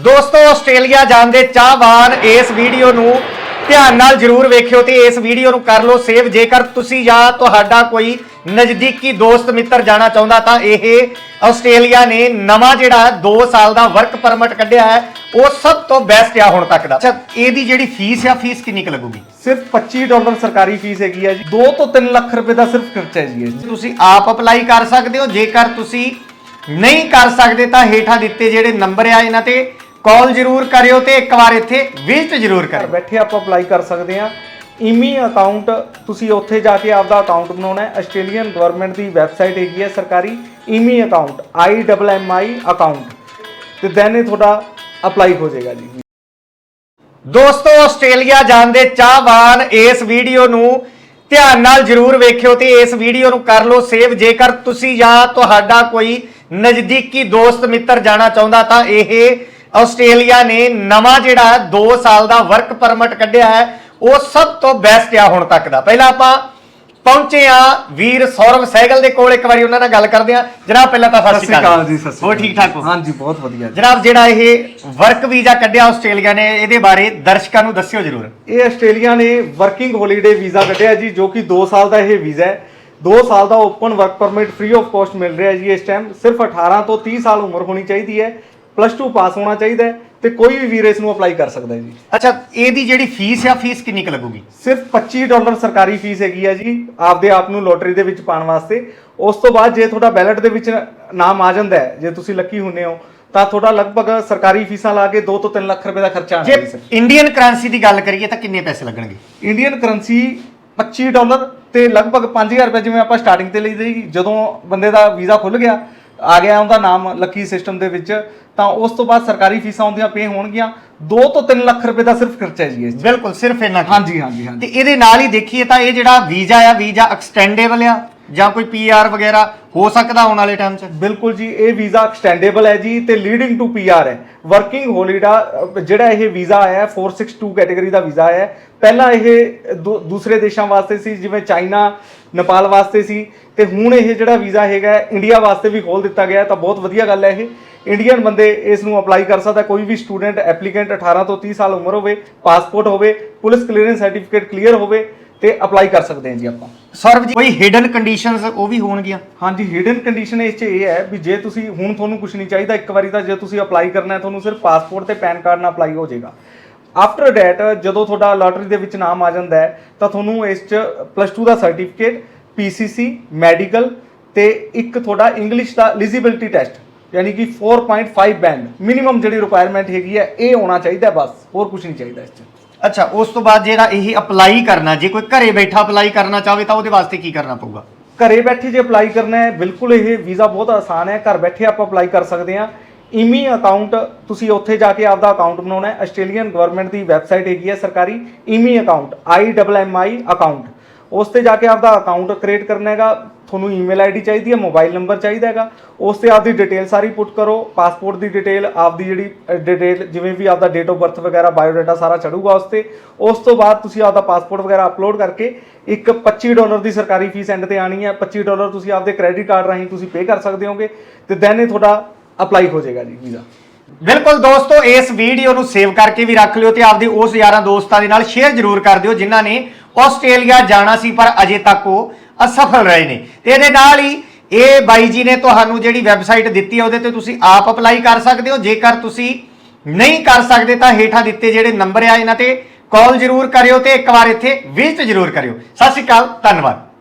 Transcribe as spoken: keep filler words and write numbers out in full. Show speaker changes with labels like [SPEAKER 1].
[SPEAKER 1] दोस्तों आस्ट्रेलिया जान दे चाहवान इस वीडियो नू ध्यान नाल जरूर वेखियो ते इस वीडियो नू कर लो सेव। जेकर तुसी या तुहाडा कोई नज़दीकी दोस्त मित्र जाना चाहुंदा तां इह आस्ट्रेलिया ने नवां जिहड़ा दो साल दा वर्क परमिट कढिया है वो सब तो बेस्ट आ हुण तक दा। अच्छा इहदी जिहड़ी फीस आ फीस किन्नी क लगूगी?
[SPEAKER 2] सिर्फ पच्ची डॉलर सरकारी फीस हैगी है जी। दो तो तीन लाख रुपए का सिर्फ खर्चा है जी।
[SPEAKER 1] तुसी आप अप्लाई कर सकते हो। जेकर तुसी नहीं कर सकते तां हेठां दित्ते जिहड़े नंबर आ इन्हां ते कॉल जरूर करियो ते एक बार इत्थे विजिट जरूर करियो।
[SPEAKER 2] बैठे आप अप्लाई कर सकते हैं। ईमी अकाउंट तुसी उत्थे जाके आपदा अकाउंट बनाना है। आस्ट्रेलियन गवर्नमेंट की वैबसाइट हैगी है सरकारी immi account I double M I account ते दैन थोड़ा अप्लाई हो जाएगा जी।
[SPEAKER 1] दोस्तों आस्ट्रेलिया जान दे चाहवान इस वीडियो नू ध्यान नाल जरूर वेखियो ते इस वीडियो नू कर लो सेव। जेकर तुसी या तुहाडा कोई नज़दीकी दोस्त मित्र जाना चाहुंदा तां इह आस्ट्रेलिया ने नवां जिहड़ा दो साल दा वर्क परमिट कढिया है वो सब तो बेस्ट आ हुण तक दा। पहला आपां पहुंचे आ वीर सौरभ सहगल दे कोल, एक बारी उन्हां नाल गल करदे आ। जनाब पहला तां सत श्री अकाल
[SPEAKER 2] जी। सत श्री
[SPEAKER 1] हो ठीक ठाक हो?
[SPEAKER 2] हां जी बहुत वधिया
[SPEAKER 1] जनाब जिहड़ा इह वर्क वीजा कढिया आस्ट्रेलिया ने इहदे बारे दर्शकां नू दस्सियो जरूर।
[SPEAKER 2] ये आस्ट्रेलिया ने वर्किंग हॉलीडे वीज़ा कढिया जी जो कि दो साल का यह वीज़ा है। दो साल का open work permit free of cost मिल रहा है जी। इस टाइम सिर्फ अठारह तो तीस साल उम्र होनी चाहिए है, प्लस टू पास होना चाहिए तो कोई भी वीर इसनूं अप्लाई कर सकता है जी।
[SPEAKER 1] अच्छा इहदी जिहड़ी फीस आ फीस किन्नी क लगूगी? सिर्फ
[SPEAKER 2] पच्ची डॉलर सरकारी फीस हैगी है जी आपदे आप नूं लॉटरी दे विच पाउण वास्ते। उस तो बाद जे तुहाडा बैलेट दे विच नाम आ जांदा है, जे तुसीं लकी हुंदे हो ਤਾਂ ਤੁਹਾਡਾ ਲਗਭਗ ਸਰਕਾਰੀ ਫੀਸਾਂ ਲਾ ਕੇ ਦੋ ਤੋਂ ਤਿੰਨ ਲੱਖ ਰੁਪਏ ਦਾ ਖਰਚਾ ਆਣਾ
[SPEAKER 1] ਜੀ। ਇੰਡੀਅਨ ਕਰੰਸੀ ਦੀ ਗੱਲ ਕਰੀਏ ਤਾਂ ਕਿੰਨੇ ਪੈਸੇ ਲੱਗਣਗੇ?
[SPEAKER 2] ਇੰਡੀਅਨ ਕਰੰਸੀ ਪੱਚੀ ਡਾਲਰ ਤੇ ਲਗਭਗ ਪੰਜ ਹਜ਼ਾਰ ਰੁਪਏ ਜਿਵੇਂ ਆਪਾਂ ਸਟਾਰਟਿੰਗ ਤੇ ਲਈ ਜੀ। ਜਦੋਂ ਬੰਦੇ ਦਾ ਵੀਜ਼ਾ ਖੁੱਲ ਗਿਆ ਆ ਗਿਆ ਉਹਦਾ ਨਾਮ ਲੱਕੀ ਸਿਸਟਮ ਦੇ ਵਿੱਚ ਤਾਂ ਉਸ ਤੋਂ ਬਾਅਦ ਸਰਕਾਰੀ ਫੀਸਾਂ ਆਉਂਦੀਆਂ ਪੇ ਹੋਣਗੀਆਂ। ਦੋ ਤੋਂ ਤਿੰਨ ਲੱਖ ਰੁਪਏ ਦਾ ਸਿਰਫ ਖਰਚਾ ਹੈ ਜੀ।
[SPEAKER 1] ਬਿਲਕੁਲ ਸਿਰਫ ਇੰਨਾ।
[SPEAKER 2] ਹਾਂਜੀ ਹਾਂਜੀ ਹਾਂਜੀ।
[SPEAKER 1] ਤੇ ਇਹਦੇ ਨਾਲ ਹੀ ਦੇਖੀਏ ਤਾਂ ਇਹ ਜਿਹੜਾ ਵੀਜ਼ਾ ਆ ਵੀਜ਼ਾ ਐਕਸਟੈਂਡੇਬਲ ਆ ਜਾਂ ਕੋਈ ਪੀਆਰ ਵਗੈਰਾ ਹੋ ਸਕਦਾ ਆਉਣ ਵਾਲੇ ਟਾਈਮ 'ਚ?
[SPEAKER 2] ਬਿਲਕੁਲ ਜੀ ਇਹ ਵੀਜ਼ਾ ਐਕਸਟੈਂਡੇਬਲ ਹੈ ਜੀ ਤੇ ਲੀਡਿੰਗ ਟੂ ਪੀਆਰ ਹੈ। ਵਰਕਿੰਗ ਹੌਲੀਡੇ ਜਿਹੜਾ ਇਹ ਵੀਜ਼ਾ ਆਇਆ ਚਾਰ ਸੌ ਬਾਸਠ ਕੈਟਾਗਰੀ ਦਾ ਵੀਜ਼ਾ ਆਇਆ। ਪਹਿਲਾਂ ਇਹ ਦੂਸਰੇ ਦੇਸ਼ਾਂ ਵਾਸਤੇ ਸੀ ਜਿਵੇਂ ਚਾਈਨਾ ਨੇਪਾਲ ਵਾਸਤੇ ਸੀ ਤੇ ਹੁਣ ਇਹ ਜਿਹੜਾ ਵੀਜ਼ਾ ਹੈਗਾ ਇੰਡੀਆ ਵਾਸਤੇ ਵੀ ਖੋਲ ਦਿੱਤਾ ਗਿਆ ਤਾਂ ਬਹੁਤ ਵਧੀਆ ਗੱਲ ਹੈ। ਇਹ ਇੰਡੀਅਨ ਬੰਦੇ ਇਸ ਨੂੰ ਅਪਲਾਈ ਕਰ ਸਕਦਾ। ਕੋਈ ਵੀ ਸਟੂਡੈਂਟ ਐਪਲੀਕੈਂਟ ਅਠਾਰਾਂ ਤੋਂ तीस ਸਾਲ ਉਮਰ ਹੋਵੇ, ਪਾਸਪੋਰਟ ਹੋਵੇ, ਪੁਲਿਸ ਕਲੀਅਰੈਂਸ ਸਰਟੀਫਿਕੇਟ ਕਲੀਅਰ ਹੋਵੇ ਤੇ ਅਪਲਾਈ ਕਰ ਸਕਦੇ ਹਾਂ ਜੀ ਆਪਾਂ।
[SPEAKER 1] ਸੌਰਵ ਜੀ ਕੋਈ ਹਿਡਨ ਕੰਡੀਸ਼ਨਸ ਉਹ ਵੀ ਹੋਣਗੀਆਂ?
[SPEAKER 2] ਹਾਂਜੀ ਹਿਡਨ ਕੰਡੀਸ਼ਨ ਇਸ 'ਚ ਇਹ ਹੈ ਵੀ ਜੇ ਤੁਸੀਂ ਹੁਣ ਤੁਹਾਨੂੰ ਕੁਝ ਨਹੀਂ ਚਾਹੀਦਾ ਇੱਕ ਵਾਰੀ ਤਾਂ ਜੇ ਤੁਸੀਂ ਅਪਲਾਈ ਕਰਨਾ ਹੈ ਤੁਹਾਨੂੰ ਸਿਰਫ ਪਾਸਪੋਰਟ ਤੇ ਪੈਨ ਕਾਰਡ ਨਾਲ ਅਪਲਾਈ ਹੋ ਜਾਏਗਾ। ਆਫਟਰ ਡੈਟ ਜਦੋਂ ਤੁਹਾਡਾ ਲਾਟਰੀ ਦੇ ਵਿੱਚ ਨਾਮ ਆ ਜਾਂਦਾ ਹੈ ਤਾਂ ਤੁਹਾਨੂੰ ਇਸ 'ਚ ਪਲੱਸ ਟੂ ਦਾ ਸਰਟੀਫਿਕੇਟ, ਪੀਸੀਸੀ, ਮੈਡੀਕਲ ਤੇ ਇੱਕ ਤੁਹਾਡਾ ਇੰਗਲਿਸ਼ ਦਾ ਐਲੀਜੀਬਿਲਟੀ ਟੈਸਟ यानी कि चार पॉइंट पाँच बैंड मिनिमम जी रिक्वायरमेंट हैगी है ये होना चाहिए बस, होर कुछ नहीं चाहिए इस।
[SPEAKER 1] अच्छा उस तो बाद जेड़ा यही अप्लाई करना जे कोई घरे बैठा अप्लाई करना चाहे तो उसदे वास्ते की करना पऊगा?
[SPEAKER 2] घरे बैठे जो अप्लाई करना है बिल्कुल ये वीज़ा बहुत आसान है। घर बैठे आप अप्लाई कर सकते हैं। ईमी अकाउंट तुसी उत्थे जाके आपदा अकाउंट बनाना है। आस्ट्रेलियन गवर्नमेंट की वैबसाइट हैगी है सरकारी immi account I double M I account उस ते जाके आपदा अकाउंट क्रिएट करना है। ਤੁਹਾਨੂੰ ਈਮੇਲ ਆਈਡੀ ਚਾਹੀਦੀ ਹੈ, ਮੋਬਾਈਲ ਨੰਬਰ ਚਾਹੀਦਾ ਹੈਗਾ। ਉਸ ਤੇ ਆਪਦੀ ਡਿਟੇਲ ਸਾਰੀ ਪੁੱਟ ਕਰੋ। ਪਾਸਪੋਰਟ ਦੀ ਡਿਟੇਲ, ਆਪਦੀ ਜਿਹੜੀ ਡਿਟੇਲ ਜਿਵੇਂ ਵੀ ਆਪਦਾ ਡੇਟ ਆਫ ਬਰਥ ਵਗੈਰਾ ਬਾਇਓਡਾਟਾ ਸਾਰਾ ਚੜੂਗਾ ਉਸ ਤੇ। ਉਸ ਤੋਂ ਬਾਅਦ ਤੁਸੀਂ ਆਪਦਾ ਪਾਸਪੋਰਟ ਵਗੈਰਾ ਅਪਲੋਡ ਕਰਕੇ ਇੱਕ ਪੱਚੀ ਡਾਲਰ ਦੀ ਸਰਕਾਰੀ ਫੀਸ ਐਂਡ ਤੇ ਆਣੀ ਹੈ। ਪੱਚੀ ਡਾਲਰ ਤੁਸੀਂ ਆਪਦੇ ਕ੍ਰੈਡਿਟ ਕਾਰਡ ਰਾਹੀਂ ਤੁਸੀਂ ਪੇ ਕਰ ਸਕਦੇ ਹੋਗੇ ਤੇ ਦੈਨ ਇਹ ਤੁਹਾਡਾ ਅਪਲਾਈ ਹੋ ਜਾਏਗਾ ਜੀ ਵੀਜ਼ਾ।
[SPEAKER 1] बिल्कुल दोस्तों इस वीडियो ਨੂੰ सेव करके भी रख लियो ਤੇ ਆਪਦੇ ਉਸ ਯਾਰਾਂ ਦੋਸਤਾਂ ਦੇ ਨਾਲ ਸ਼ੇਅਰ ਜ਼ਰੂਰ ਕਰ ਦਿਓ ਜਿਨ੍ਹਾਂ ਨੇ ਆਸਟ੍ਰੇਲੀਆ ਜਾਣਾ ਸੀ ਪਰ ਅਜੇ ਤੱਕ ਉਹ ਅਸਫਲ ਰਹੇ ਨੇ। ਤੇ ਇਹਦੇ ਨਾਲ ਹੀ ਇਹ ਬਾਈ ਜੀ ਨੇ ਤੁਹਾਨੂੰ ਜਿਹੜੀ ਵੈਬਸਾਈਟ ਦਿੱਤੀ ਹੈ ਉਹਦੇ ਤੇ ਤੁਸੀਂ ਆਪ ਅਪਲਾਈ ਕਰ ਸਕਦੇ ਹੋ। ਜੇਕਰ ਤੁਸੀਂ ਨਹੀਂ ਕਰ ਸਕਦੇ ਤਾਂ ਹੇਠਾਂ ਦਿੱਤੇ ਜਿਹੜੇ ਨੰਬਰ ਆ ਇਹਨਾਂ ਤੇ ਕਾਲ ਜ਼ਰੂਰ ਕਰਿਓ ਤੇ ਇੱਕ ਵਾਰ ਇੱਥੇ ਵਿਜ਼ਿਟ ਜ਼ਰੂਰ ਕਰਿਓ। ਸਤਿ ਸ਼੍ਰੀ ਅਕਾਲ, ਧੰਨਵਾਦ।